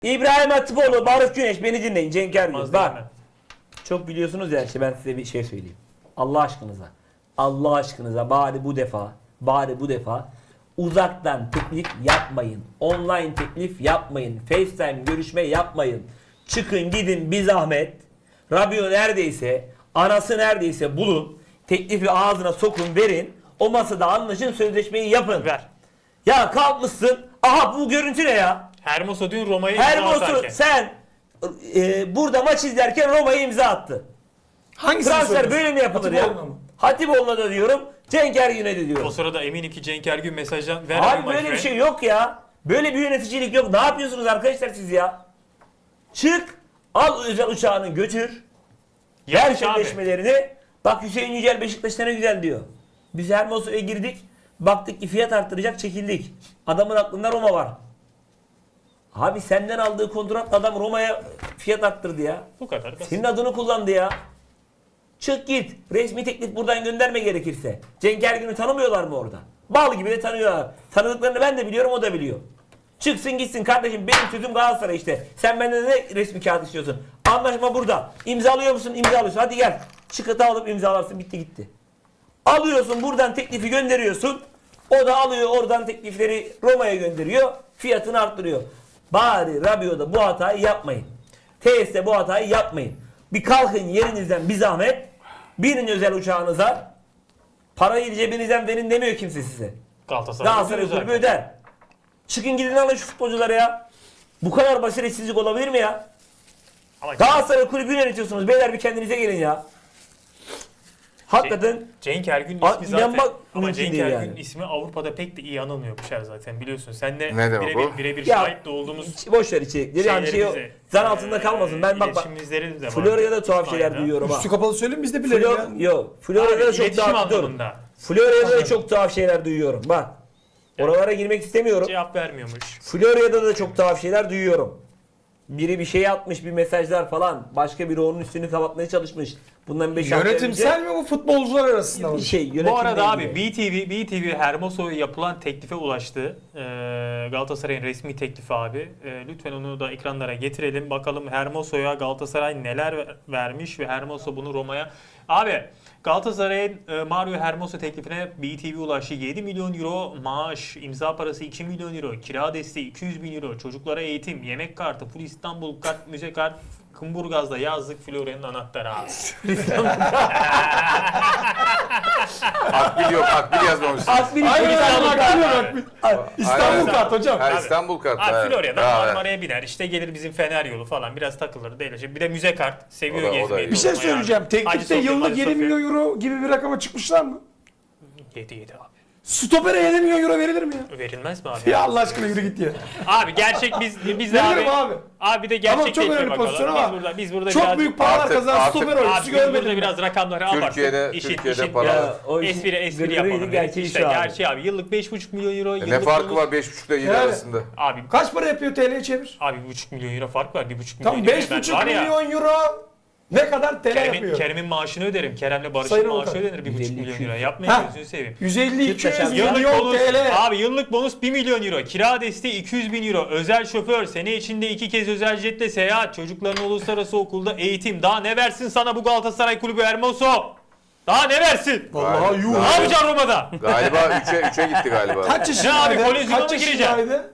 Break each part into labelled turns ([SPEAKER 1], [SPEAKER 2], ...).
[SPEAKER 1] İbrahim Hatipoğlu, Barış Güneş, beni dinleyin. Cenk Ergün.
[SPEAKER 2] Olmaz
[SPEAKER 1] Bak.
[SPEAKER 2] değil mi?
[SPEAKER 1] Çok biliyorsunuz ya, ben size bir şey söyleyeyim. Allah aşkınıza. Allah aşkınıza bari bu defa uzaktan teklif yapmayın. Online teklif yapmayın. FaceTime görüşme yapmayın. Çıkın gidin bir zahmet. Rabio neredeyse, anası neredeyse bulun. Teklifi ağzına sokun, verin. O masada anlaşın, sözleşmeyi yapın.
[SPEAKER 2] Ver.
[SPEAKER 1] Ya kalkmışsın. Aha bu görüntü ne ya?
[SPEAKER 2] Hermoso dün Roma'yı
[SPEAKER 1] Hermoso sen burada maç izlerken Roma'ya imza attı.
[SPEAKER 3] Hangisini
[SPEAKER 1] Transfer
[SPEAKER 3] söylüyorsun?
[SPEAKER 1] böyle mi yapılır ya?
[SPEAKER 3] Hatipoğlu'na mı?
[SPEAKER 1] Hatipoğlu'na da diyorum, Cenk Ergün'e de
[SPEAKER 2] O
[SPEAKER 1] diyorum.
[SPEAKER 2] sırada eminim ki Cenk Ergün mesajdan ver
[SPEAKER 1] Abi
[SPEAKER 2] my
[SPEAKER 1] böyle bir
[SPEAKER 2] friend.
[SPEAKER 1] şey yok ya. Böyle bir yöneticilik yok. Ne yapıyorsunuz arkadaşlar siz ya? Çık, al özel uçağını götür. Ver
[SPEAKER 2] Yanlış abi.
[SPEAKER 1] sözleşmelerini. Bak Hüseyin Yücel Beşiktaş'ta ne güzel diyor. Biz Hermoso'ya girdik. Baktık ki fiyat arttıracak, çekildik. Adamın aklında Roma var. Abi senden aldığı kontratla adam Roma'ya fiyat arttırdı ya.
[SPEAKER 2] Bu kadar basit.
[SPEAKER 1] Senin adını kullandı ya. Çık git. Resmi teklif buradan gönderme gerekirse. Cenk Ergün'ü tanımıyorlar mı orada? Bal gibi de tanıyorlar. Tanıdıklarını ben de biliyorum, o da biliyor. Çıksın gitsin kardeşim, benim sözüm Galatasaray işte. Sen benden ne resmi kağıt istiyorsun? Anlaşma burada. İmzalıyor musun? İmzalıyorsun. Hadi gel. Çıkıtı alıp imzalarsın. Bitti gitti. Alıyorsun buradan teklifi gönderiyorsun. O da alıyor oradan teklifleri Roma'ya gönderiyor. Fiyatını arttırıyor. Bari Rabio'da bu hatayı yapmayın. TS'de bu hatayı yapmayın. Bir kalkın yerinizden bir zahmet. Binin özel uçağınıza. Parayı cebinizden verin demiyor kimse size. Galatasaray kulübü öder. Çıkın gidin alın şu futbolcuları ya. Bu kadar basiretsizlik olabilir mi ya?
[SPEAKER 2] Ama
[SPEAKER 1] Galatasaray kulübü yönetiyorsunuz. Beyler bir kendinize gelin ya. Hakikaten
[SPEAKER 2] Cenk Ergün
[SPEAKER 1] Aa,
[SPEAKER 2] ismi zaten
[SPEAKER 1] inanmak
[SPEAKER 2] ama
[SPEAKER 1] mümkün
[SPEAKER 2] Cenk
[SPEAKER 1] değil
[SPEAKER 2] Ergün
[SPEAKER 1] yani.
[SPEAKER 2] ismi Avrupa'da pek de iyi anılmıyormuş her zaten biliyorsun. Sen de
[SPEAKER 4] Ne demek bu?
[SPEAKER 2] birebir
[SPEAKER 1] Ya,
[SPEAKER 2] şahit de olduğumuz
[SPEAKER 1] boş ver içerikleri. Yani şey
[SPEAKER 2] şeylerimize,
[SPEAKER 1] zan altında kalmasın. Ben bak
[SPEAKER 2] iletişimimizde de var.
[SPEAKER 1] Florya'da tuhaf şeyler
[SPEAKER 2] İspanya'da.
[SPEAKER 1] duyuyorum ha.
[SPEAKER 3] Üstü kapalı söyleyeyim biz de bilelim ya.
[SPEAKER 1] Yok. Florya'da da
[SPEAKER 2] Abi,
[SPEAKER 1] çok
[SPEAKER 2] iletişim
[SPEAKER 1] tuhaf dur.
[SPEAKER 2] anlamında.
[SPEAKER 1] Florya'da da çok tuhaf şeyler duyuyorum. Bak. Oralara girmek istemiyorum.
[SPEAKER 2] Cevap vermiyormuş.
[SPEAKER 1] Florya'da da çok tuhaf şeyler duyuyorum. Biri bir şey atmış, bir mesajlar falan. Başka biri onun üstünü kapatmaya çalışmış. Bundan 5 hafta
[SPEAKER 3] Yönetimsel mi bu futbolcular arasında mı?
[SPEAKER 1] bir şey. Yönetimle
[SPEAKER 2] Bu arada abi
[SPEAKER 1] ilgili.
[SPEAKER 2] BTV Hermoso'ya yapılan teklife ulaştı. Galatasaray'ın resmi teklifi abi. Lütfen onu da ekranlara getirelim. Bakalım Hermoso'ya Galatasaray neler vermiş ve Hermoso bunu Roma'ya... Abi Galatasaray'ın Mario Hermoso teklifine BTV ulaştı. 7 milyon euro maaş, imza parası 2 milyon euro, kira desteği 200 bin euro, çocuklara eğitim, yemek kartı, full İstanbul kart, müze kart, Kumburgaz'da yazlık, Florya'nın anahtarı abi.
[SPEAKER 4] Akbil yok, akbil yazmamışsın.
[SPEAKER 1] Akbil
[SPEAKER 3] Aynen
[SPEAKER 1] İstanbul
[SPEAKER 3] aynen
[SPEAKER 1] kartı.
[SPEAKER 3] İstanbul
[SPEAKER 4] Aynen.
[SPEAKER 3] kart hocam.
[SPEAKER 4] Ha, İstanbul kartı.
[SPEAKER 2] Abi
[SPEAKER 4] evet.
[SPEAKER 2] Florya'dan
[SPEAKER 4] Bravo.
[SPEAKER 2] Marmara'ya biner, işte gelir bizim Fener yolu falan, biraz takılır değil. Bir de müze kart, seviyor
[SPEAKER 4] O da
[SPEAKER 2] gezmeyi.
[SPEAKER 4] iyi.
[SPEAKER 3] Bir şey
[SPEAKER 2] Roma'ya
[SPEAKER 3] söyleyeceğim.
[SPEAKER 2] abi.
[SPEAKER 3] Teklifte
[SPEAKER 2] Hacı Sofya,
[SPEAKER 3] yıllık
[SPEAKER 2] Hacı
[SPEAKER 3] 7
[SPEAKER 2] Sofya.
[SPEAKER 3] milyon euro gibi bir rakama çıkmışlar mı?
[SPEAKER 2] 7 abi.
[SPEAKER 3] Stopere 7 milyon euro verilir mi ya?
[SPEAKER 2] Verilmez mi abi?
[SPEAKER 3] Ya Allah aşkına yürü git ya.
[SPEAKER 2] Abi gerçek biz de
[SPEAKER 3] Veririm
[SPEAKER 2] abi.
[SPEAKER 3] abi.
[SPEAKER 2] Abi de gerçek
[SPEAKER 3] Ama çok
[SPEAKER 2] teklife
[SPEAKER 3] önemli pozisyon
[SPEAKER 2] bakalım.
[SPEAKER 3] ama
[SPEAKER 2] Biz burada
[SPEAKER 3] çok
[SPEAKER 2] biraz
[SPEAKER 3] büyük paralar
[SPEAKER 4] Artık-
[SPEAKER 3] kazanan
[SPEAKER 4] artık-
[SPEAKER 3] stoper
[SPEAKER 2] Abi
[SPEAKER 3] oyuncusu
[SPEAKER 2] biz burada
[SPEAKER 3] görmedim.
[SPEAKER 2] biraz rakamları
[SPEAKER 4] Türkiye'de-
[SPEAKER 2] abarttık.
[SPEAKER 4] Türkiye'de
[SPEAKER 2] işin
[SPEAKER 4] para-
[SPEAKER 1] Ya, o işin
[SPEAKER 2] espri
[SPEAKER 1] gırgırıydı,
[SPEAKER 2] yapalım.
[SPEAKER 1] gerçeği
[SPEAKER 2] İşte
[SPEAKER 1] şu abi.
[SPEAKER 2] gerçeği abi. Yıllık 5,5 milyon euro.
[SPEAKER 4] Ne
[SPEAKER 2] yıllık
[SPEAKER 4] farkı
[SPEAKER 2] bonus-
[SPEAKER 4] var 5,5 ile 7
[SPEAKER 3] Yani.
[SPEAKER 4] arasında?
[SPEAKER 2] Abi
[SPEAKER 3] Kaç para yapıyor TL'ye çevir?
[SPEAKER 2] 1,5 milyon euro fark var. 1,5 milyon
[SPEAKER 3] Tam
[SPEAKER 2] euro.
[SPEAKER 3] 5,5
[SPEAKER 2] Var ya,
[SPEAKER 3] milyon euro ne kadar TL yapıyor?
[SPEAKER 2] Kerem'in maaşını öderim. Kerem'le Barış'ın
[SPEAKER 3] Sayın
[SPEAKER 2] maaşı
[SPEAKER 3] Avukat.
[SPEAKER 2] ödenir 1,5 milyon
[SPEAKER 1] 150,
[SPEAKER 2] euro. Yapmayın
[SPEAKER 3] Ha.
[SPEAKER 2] gözünü seveyim.
[SPEAKER 3] 150-200
[SPEAKER 1] Yıllık
[SPEAKER 3] milyon
[SPEAKER 2] bonus,
[SPEAKER 3] TL.
[SPEAKER 2] abi yıllık bonus 1 milyon euro. Kira desteği 200 bin euro. Özel şoför. Sene içinde 2 kez özel jetle seyahat. Çocukların uluslararası okulda eğitim. Daha ne versin sana bu Galatasaray kulübü Hermoso? Daha ne versin?
[SPEAKER 3] Vallahi yuh.
[SPEAKER 2] Ne yapacaksın Roma'da?
[SPEAKER 4] Galiba 3'e gitti galiba.
[SPEAKER 3] Kaç yaşındaydı?
[SPEAKER 2] abi, kolezyona mı
[SPEAKER 3] Kaç
[SPEAKER 2] gireceksin?
[SPEAKER 3] yaşındaydı?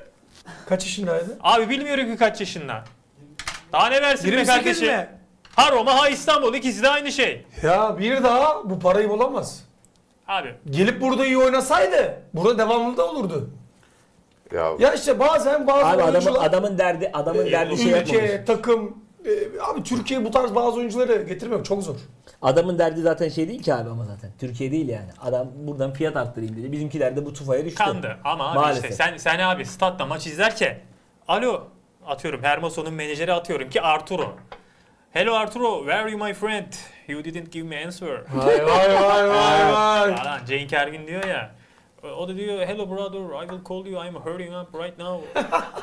[SPEAKER 3] Kaç yaşındaydı?
[SPEAKER 2] Abi bilmiyorum ki kaç yaşında. Daha ne versin be
[SPEAKER 3] 28
[SPEAKER 2] kardeşim?
[SPEAKER 3] mi?
[SPEAKER 2] Ha Roma ha İstanbul. İkisi de aynı şey.
[SPEAKER 3] Ya bir daha bu parayı bulamaz.
[SPEAKER 2] Abi
[SPEAKER 3] Gelip burada iyi oynasaydı burada devamlı da olurdu.
[SPEAKER 4] Ya,
[SPEAKER 3] Ya işte bazen bazı
[SPEAKER 1] Abi
[SPEAKER 3] oyuncular
[SPEAKER 1] adamın derdi şey yapmamış.
[SPEAKER 3] ülke, takım abi Türkiye bu tarz bazı oyuncuları getirmek çok zor.
[SPEAKER 1] Adamın derdi zaten şey değil ki abi, ama zaten. Türkiye değil yani. Adam buradan fiyat arttırayım dedi. Bizimkiler de bu tufaya düştü.
[SPEAKER 2] kandı. Ama abi
[SPEAKER 1] Maalesef.
[SPEAKER 2] işte sen abi statta maç izlerken alo atıyorum Hermoso'nun menajeri atıyorum ki Arturo. Hello Arturo, where are you my friend? You didn't give me answer.
[SPEAKER 3] Vay vay vay.
[SPEAKER 2] Falan Cenk Ergün diyor ya. O da diyor hello brother, I will call you. I'm hurrying up right now.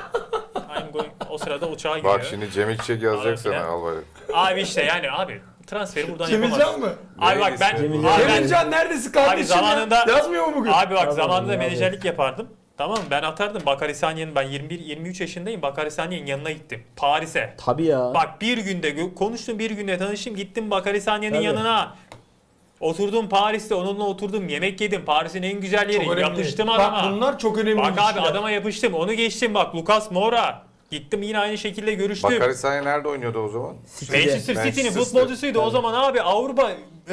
[SPEAKER 2] I'm going. O sırada uçağa gidiyor.
[SPEAKER 4] bak şimdi Cem İçecek yazacak
[SPEAKER 2] Abi
[SPEAKER 4] sana
[SPEAKER 2] ya.
[SPEAKER 4] al böyle.
[SPEAKER 2] Abi işte yani abi transferi buradan
[SPEAKER 3] Cemilcan
[SPEAKER 2] yapamaz.
[SPEAKER 3] mı?
[SPEAKER 2] Abi bak ben,
[SPEAKER 4] Cemilcan.
[SPEAKER 2] abi ben
[SPEAKER 3] Cemilcan neredesin kardeşim?
[SPEAKER 2] zamanında-
[SPEAKER 3] Yazmıyor mu bugün?
[SPEAKER 2] Abi bak
[SPEAKER 1] Tamam,
[SPEAKER 2] zamanında
[SPEAKER 1] abi.
[SPEAKER 2] menajerlik yapardım. Tamam mı? Ben atardım Bakary Sagné'nin, ben 21-23 yaşındayım. Bakary Sagné'nin yanına gittim. Paris'e.
[SPEAKER 1] Tabii ya.
[SPEAKER 2] Bak bir günde konuştum, bir günde tanıştım. Gittim Bakary Sagné'nin
[SPEAKER 1] Tabii.
[SPEAKER 2] yanına. Oturdum Paris'te, onunla oturdum, yemek yedim. Paris'in en güzel yeri.
[SPEAKER 3] Çok önemli.
[SPEAKER 2] Yapıştım
[SPEAKER 3] Bak
[SPEAKER 2] adama.
[SPEAKER 3] bunlar çok önemli
[SPEAKER 2] Bak abi
[SPEAKER 3] ilişkiler.
[SPEAKER 2] adama yapıştım. Onu geçtim bak, Lucas Moura. Gittim yine aynı şekilde görüştüm.
[SPEAKER 4] Bakary Sagné nerede oynuyordu o zaman?
[SPEAKER 1] City'de.
[SPEAKER 2] Manchester City'nin
[SPEAKER 4] Manchester
[SPEAKER 2] futbolcusuydu o zaman abi. Avrupa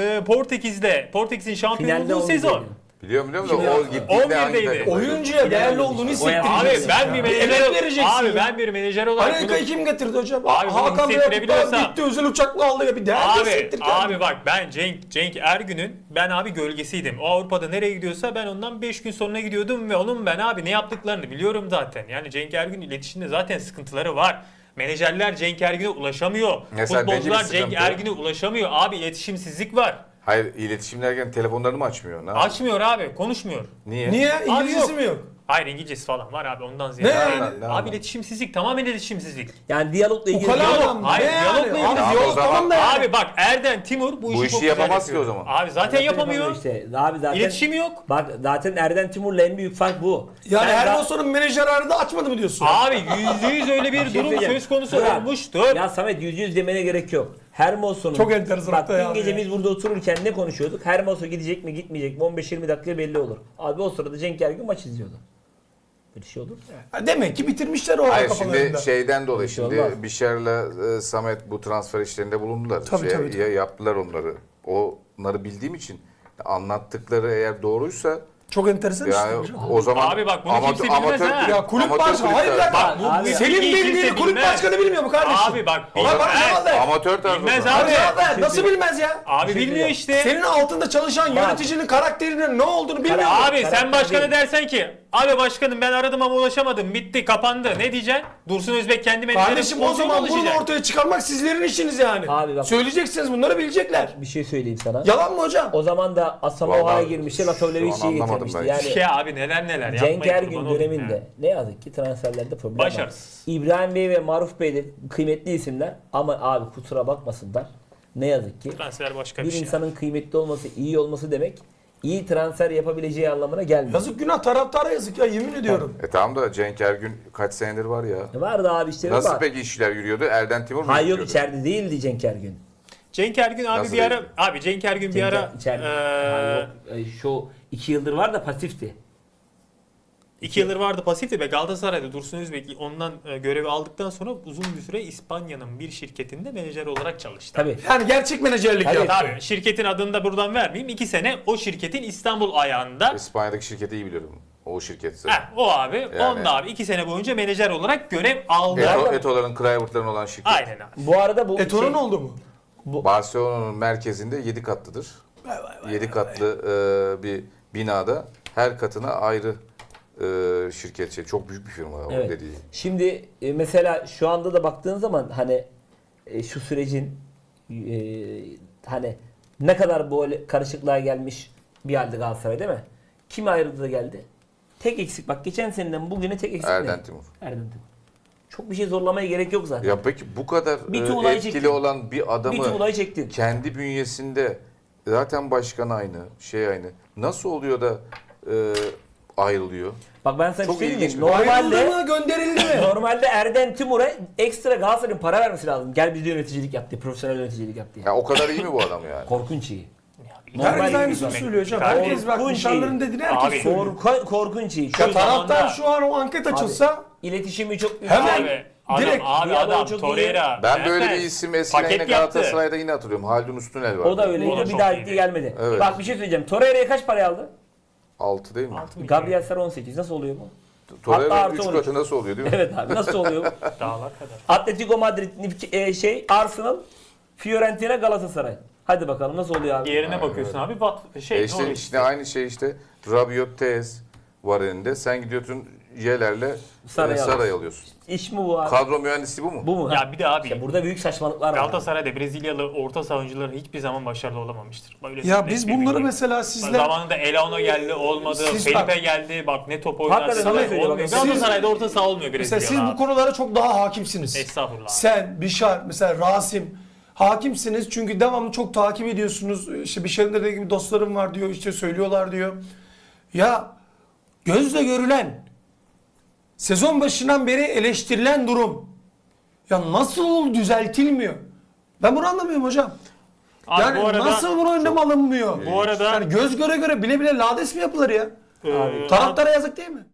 [SPEAKER 2] Portekiz'in şampiyon
[SPEAKER 1] Finalde
[SPEAKER 2] olduğu
[SPEAKER 1] oldu
[SPEAKER 2] sezon.
[SPEAKER 1] dedi.
[SPEAKER 4] Biliyorum da o gittiğinde
[SPEAKER 2] 11'deydi.
[SPEAKER 4] hangi takım?
[SPEAKER 3] Oyuncuya değerli olduğunu
[SPEAKER 1] O yaptı.
[SPEAKER 2] Abi
[SPEAKER 3] hissettireceksin.
[SPEAKER 2] ben bir menajer
[SPEAKER 3] emek vereceksin
[SPEAKER 2] abi
[SPEAKER 3] ya.
[SPEAKER 2] ben bir menajer olarak
[SPEAKER 3] Amerika'yı kim getirdi hocam?
[SPEAKER 2] Abi bunu
[SPEAKER 3] Hakan Bey
[SPEAKER 2] hissettirebiliyorsa-
[SPEAKER 3] gitti özel uçakla aldı ya bir değer hissettir kendini.
[SPEAKER 2] abi bak ben Cenk Ergün'ün ben abi gölgesiydim. O Avrupa'da nereye gidiyorsa ben ondan 5 gün sonra gidiyordum ve onun ben abi ne yaptıklarını biliyorum zaten. Yani Cenk Ergün iletişimde zaten sıkıntıları var. Menajerler Cenk Ergün'e ulaşamıyor.
[SPEAKER 4] Mesela belli bir
[SPEAKER 2] Futbolcular Cenk
[SPEAKER 4] sıkıntı.
[SPEAKER 2] Ergün'e ulaşamıyor. Abi iletişimsizlik var.
[SPEAKER 4] Hayır, iletişim derken telefonlarını mı açmıyor? Ne
[SPEAKER 2] Açmıyor abi, konuşmuyor.
[SPEAKER 4] Niye?
[SPEAKER 3] Niye?
[SPEAKER 2] Abi
[SPEAKER 3] İngilizcesi
[SPEAKER 2] yok.
[SPEAKER 3] mi yok?
[SPEAKER 2] Hayır İngilizcesi falan var abi ondan ziyade.
[SPEAKER 3] Ne
[SPEAKER 2] Yani.
[SPEAKER 3] yani?
[SPEAKER 4] Ne
[SPEAKER 2] Abi
[SPEAKER 4] anlam?
[SPEAKER 2] iletişimsizlik, tamamen iletişimsizlik.
[SPEAKER 1] Yani diyalogla ilgili.
[SPEAKER 3] Ukala
[SPEAKER 2] Diyalog-
[SPEAKER 3] adam.
[SPEAKER 2] Hayır,
[SPEAKER 3] Ne
[SPEAKER 2] diyalogla
[SPEAKER 3] yani?
[SPEAKER 2] ilgili
[SPEAKER 3] Abi
[SPEAKER 4] diyalog.
[SPEAKER 3] diyalog tamam da yani.
[SPEAKER 2] Abi bak Erden Timur bu işi
[SPEAKER 4] Bu
[SPEAKER 2] çok
[SPEAKER 4] işi
[SPEAKER 2] güzel
[SPEAKER 4] yapamaz ki
[SPEAKER 2] yapıyor.
[SPEAKER 4] o zaman.
[SPEAKER 2] Abi zaten yapamıyor.
[SPEAKER 1] Işte. Abi zaten
[SPEAKER 2] İletişimi yok.
[SPEAKER 1] Bak zaten Erden Timur'la en büyük fark bu.
[SPEAKER 3] Yani
[SPEAKER 1] Sen
[SPEAKER 3] Hermoso'nun menajer aradı açmadı mı diyorsun?
[SPEAKER 2] Abi %100 öyle bir
[SPEAKER 1] şey
[SPEAKER 2] durum
[SPEAKER 1] söyleyeceğim.
[SPEAKER 2] söz konusu
[SPEAKER 1] Bırak.
[SPEAKER 2] olmuştur.
[SPEAKER 1] Ya Samet %100 demene gerek yok. Hermoso'nun...
[SPEAKER 3] Çok enteresan
[SPEAKER 1] Bak
[SPEAKER 3] hatta ya
[SPEAKER 1] dün gece
[SPEAKER 3] abi.
[SPEAKER 1] biz burada otururken ne konuşuyorduk? Hermoso gidecek mi gitmeyecek mi 15-20 dakika belli olur. Abi o sırada Cenk Ergün maç izliyordu. Böyle şey olur mu?
[SPEAKER 3] Ha, demek ki bitirmişler o
[SPEAKER 4] Hayır
[SPEAKER 3] kafalarında.
[SPEAKER 4] şimdi şeyden dolayı
[SPEAKER 1] Bir şey
[SPEAKER 4] şimdi
[SPEAKER 1] olmaz.
[SPEAKER 4] Bişar'la Samet bu transfer işlerinde bulundular.
[SPEAKER 3] Tabii, tabii.
[SPEAKER 4] Yaptılar onları. Onları bildiğim için anlattıkları eğer doğruysa
[SPEAKER 3] Çok enteresan
[SPEAKER 4] yani
[SPEAKER 3] işte.
[SPEAKER 4] o zaman
[SPEAKER 2] Abi bak bunu kimse bilmez ha.
[SPEAKER 3] Ya kulüp
[SPEAKER 4] amatör
[SPEAKER 3] başkanı hayır
[SPEAKER 4] kulüpler.
[SPEAKER 3] lan.
[SPEAKER 2] Bak bu
[SPEAKER 1] Abi,
[SPEAKER 3] Senin
[SPEAKER 2] bilgiyi
[SPEAKER 3] bildiğini
[SPEAKER 2] kimse
[SPEAKER 3] kulüp
[SPEAKER 2] bilmez.
[SPEAKER 3] başkanı bilmiyor mu kardeşim?
[SPEAKER 2] Abi bak
[SPEAKER 3] Ulan bak
[SPEAKER 2] bilmez.
[SPEAKER 3] ne var?
[SPEAKER 4] Amatör tarzı.
[SPEAKER 2] Bilmez
[SPEAKER 4] o zaman.
[SPEAKER 2] abi.
[SPEAKER 3] Abi nasıl bilmez ya?
[SPEAKER 2] Abi bilmiyor işte.
[SPEAKER 3] Senin altında çalışan yöneticinin karakterinin ne olduğunu bilmiyor mu?
[SPEAKER 2] Abi sen
[SPEAKER 1] Karakter
[SPEAKER 2] başkana
[SPEAKER 1] değil.
[SPEAKER 2] dersen ki abi başkanım ben aradım ama ulaşamadım bitti kapandı ne diyeceksin? Dursun Özbek kendi menajeri
[SPEAKER 3] Kardeşim o zaman bunu ortaya çıkarmak sizlerin işiniz yani.
[SPEAKER 1] Abi bak-
[SPEAKER 3] Söyleyeceksiniz bunları bilecekler.
[SPEAKER 1] Bir şey söyleyeyim sana.
[SPEAKER 3] Yalan mı hocam?
[SPEAKER 1] O zaman da Asamoah'a
[SPEAKER 4] Vallahi
[SPEAKER 1] girmişti,
[SPEAKER 4] şu an
[SPEAKER 1] Latovlevici'yi
[SPEAKER 4] anlamadım
[SPEAKER 1] getirmişti.
[SPEAKER 4] ben.
[SPEAKER 1] Yani
[SPEAKER 2] Ya abi neler neler
[SPEAKER 1] Cenk
[SPEAKER 2] yapmayın,
[SPEAKER 1] Ergün
[SPEAKER 2] kurban olayım
[SPEAKER 1] döneminde
[SPEAKER 2] ya.
[SPEAKER 1] ne yazık ki transferlerde problem var.
[SPEAKER 2] Başarısız.
[SPEAKER 1] İbrahim Bey ve Maruf Bey de kıymetli isimler ama abi kusura bakmasınlar. Ne yazık ki
[SPEAKER 2] Transfer başka
[SPEAKER 1] bir
[SPEAKER 2] bir şey.
[SPEAKER 1] insanın kıymetli olması, iyi olması demek iyi transfer yapabileceği anlamına gelmiyor.
[SPEAKER 3] Yazık günah taraftara yazık ya yemin ediyorum.
[SPEAKER 4] Tamam da Cenk Ergün kaç senedir var ya.
[SPEAKER 1] Vardı abi işte
[SPEAKER 4] Nasıl
[SPEAKER 1] var.
[SPEAKER 4] peki işler yürüyordu? Erden Timur mu
[SPEAKER 1] Hayır yok
[SPEAKER 4] yürütüyordu?
[SPEAKER 1] içeride değildi Cenk Ergün.
[SPEAKER 2] Cenk Ergün abi
[SPEAKER 4] Nasıl
[SPEAKER 2] bir ara
[SPEAKER 4] değil?
[SPEAKER 2] abi Cenk Ergün bir ara
[SPEAKER 1] içeride. Hayır, yok. Şu 2 yıldır var da pasifti.
[SPEAKER 2] 2 yıldır vardı pasifti ve Galatasaray'da Dursun Özbek ondan görevi aldıktan sonra uzun bir süre İspanya'nın bir şirketinde menajer olarak çalıştı.
[SPEAKER 1] Tabii.
[SPEAKER 3] Yani gerçek menajerlik
[SPEAKER 1] Tabii.
[SPEAKER 3] ya.
[SPEAKER 2] Tabii şirketin adını da buradan vermeyeyim. 2 sene o şirketin İstanbul ayağında.
[SPEAKER 4] İspanya'daki şirketi iyi biliyorum. O şirketse.
[SPEAKER 2] O abi.
[SPEAKER 4] Yani.
[SPEAKER 2] Onda abi 2 sene boyunca menajer olarak görev aldı.
[SPEAKER 4] Eto'ların, Kluivert'ların olan şirket.
[SPEAKER 2] Aynen abi.
[SPEAKER 1] Bu arada bu
[SPEAKER 3] Eto'nun oldu mu?
[SPEAKER 4] Barcelona'nın merkezinde 7 katlıdır. 7 katlı bir binada her katına ayrı şirket. Çok büyük bir firma o
[SPEAKER 1] Evet.
[SPEAKER 4] dediği.
[SPEAKER 1] Şimdi mesela şu anda da baktığın zaman hani şu sürecin hani ne kadar böyle karışıklığa gelmiş bir halde Galatasaray değil mi? Kim ayrıldı da geldi? Tek eksik bak geçen seneden bugüne tek eksik
[SPEAKER 4] Erden
[SPEAKER 1] ne?
[SPEAKER 4] Timur.
[SPEAKER 1] Erden Timur. Çok bir şey zorlamaya gerek yok zaten.
[SPEAKER 4] Ya peki bu kadar
[SPEAKER 1] Bir tuğlayı
[SPEAKER 4] etkili
[SPEAKER 1] çektin.
[SPEAKER 4] olan bir
[SPEAKER 1] Bir
[SPEAKER 4] adamı
[SPEAKER 1] tuğlayı çektin.
[SPEAKER 4] kendi bünyesinde zaten başkan aynı, şey aynı. Nasıl oluyor da ayrılıyor?
[SPEAKER 1] Bak ben sana
[SPEAKER 4] Çok
[SPEAKER 1] bir şey
[SPEAKER 4] ilginç
[SPEAKER 1] diyeyim.
[SPEAKER 4] bir-
[SPEAKER 3] Ayrıldı
[SPEAKER 1] Normalde
[SPEAKER 3] mı gönderildi mi?
[SPEAKER 1] normalde Erden Timur'a ekstra Galatasaray'ın para vermesi lazım. Gel bizde yöneticilik yap diye, profesyonel yöneticilik yap diye.
[SPEAKER 4] Ya o kadar iyi mi bu adam yani?
[SPEAKER 1] Korkunç iyi.
[SPEAKER 3] Herkes
[SPEAKER 1] Normal
[SPEAKER 3] aynısını
[SPEAKER 1] bir
[SPEAKER 3] söylüyor hocam.
[SPEAKER 2] Kardeşim,
[SPEAKER 3] Herkes bak
[SPEAKER 1] korkunç
[SPEAKER 3] nişanların
[SPEAKER 1] iyi.
[SPEAKER 3] dediğini herkes
[SPEAKER 2] Abi,
[SPEAKER 3] söylüyor.
[SPEAKER 1] Korkunç iyi.
[SPEAKER 3] Ya
[SPEAKER 1] Şu
[SPEAKER 3] taraftar
[SPEAKER 2] zamanda-
[SPEAKER 3] şu an o anket açılsa
[SPEAKER 1] iletişimi çok
[SPEAKER 3] Hemen
[SPEAKER 2] Abi, adam,
[SPEAKER 3] direkt
[SPEAKER 2] abi
[SPEAKER 1] diyaloğu
[SPEAKER 2] adam
[SPEAKER 1] çok iyi.
[SPEAKER 2] Torreira.
[SPEAKER 4] Ben böyle bir
[SPEAKER 2] Mertens,
[SPEAKER 4] isim eskiden
[SPEAKER 2] paket
[SPEAKER 4] yine
[SPEAKER 2] yaptı.
[SPEAKER 4] Galatasaray'da yine hatırlıyorum. Haldun Üstünel vardı.
[SPEAKER 1] O da öyleydi.
[SPEAKER 2] O da
[SPEAKER 1] Bir
[SPEAKER 2] çok
[SPEAKER 1] daha
[SPEAKER 2] iyiydi.
[SPEAKER 1] gitti gelmedi.
[SPEAKER 4] Evet.
[SPEAKER 1] Bak bir şey söyleyeceğim. Torreira'ya kaç paraya aldı?
[SPEAKER 4] 6 değil mi?
[SPEAKER 2] 6 milyon.
[SPEAKER 1] Gabriel Sara 18. Nasıl oluyor bu?
[SPEAKER 4] Torreira
[SPEAKER 1] Hatta
[SPEAKER 4] 3
[SPEAKER 1] artı
[SPEAKER 4] katı nasıl oluyor değil mi?
[SPEAKER 1] Evet abi nasıl oluyor bu?
[SPEAKER 2] Dağlar kadar.
[SPEAKER 1] Atletico Madrid, Arsenal, Fiorentina, Galatasaray. Hadi bakalım nasıl oluyor abi?
[SPEAKER 2] Diğerine bakıyorsun abi.
[SPEAKER 4] İşte, işte aynı şey işte. Rabiot, Tez var elinde. Sen gidiyorsun Yeler'le Saray'ı alıyorsun.
[SPEAKER 1] İş mi bu abi?
[SPEAKER 4] Kadro mühendisi bu mu?
[SPEAKER 1] Bu mu?
[SPEAKER 2] Ya bir de abi
[SPEAKER 1] İşte burada büyük saçmalıklar var.
[SPEAKER 2] Galatasaray'da Brezilyalı orta saha oyuncuları hiçbir zaman başarılı olamamıştır. Böyle
[SPEAKER 3] ya
[SPEAKER 2] net
[SPEAKER 3] biz
[SPEAKER 2] bir
[SPEAKER 3] bunları
[SPEAKER 2] bilgi.
[SPEAKER 3] mesela sizler
[SPEAKER 2] Zamanında Elano geldi olmadı.
[SPEAKER 3] Siz
[SPEAKER 2] Felipe
[SPEAKER 3] bak-
[SPEAKER 2] geldi. Bak ne top oynadı.
[SPEAKER 1] Hakikaten
[SPEAKER 2] Olmuyor.
[SPEAKER 1] öyle söylüyor. Bak,
[SPEAKER 2] Galatasaray'da orta saha olmuyor
[SPEAKER 3] mesela
[SPEAKER 2] Brezilyalı.
[SPEAKER 3] siz bu konulara çok daha hakimsiniz.
[SPEAKER 2] Estağfurullah.
[SPEAKER 3] Sen, Bişar, mesela Rasim hakimsiniz çünkü devamlı çok takip ediyorsunuz. İşte Bişar'ın dediği gibi dostlarım var diyor, işte söylüyorlar diyor. Ya gözle görülen Sezon başından beri eleştirilen durum. Ya nasıl düzeltilmiyor? Ben bunu anlamıyorum hocam.
[SPEAKER 2] Abi
[SPEAKER 3] Yani
[SPEAKER 2] bu arada,
[SPEAKER 3] nasıl bunu önlem alınmıyor?
[SPEAKER 2] bu arada
[SPEAKER 3] Yani göz göre göre bile bile lades mi yapılır ya?
[SPEAKER 2] e,
[SPEAKER 3] Taraftara yazık değil mi?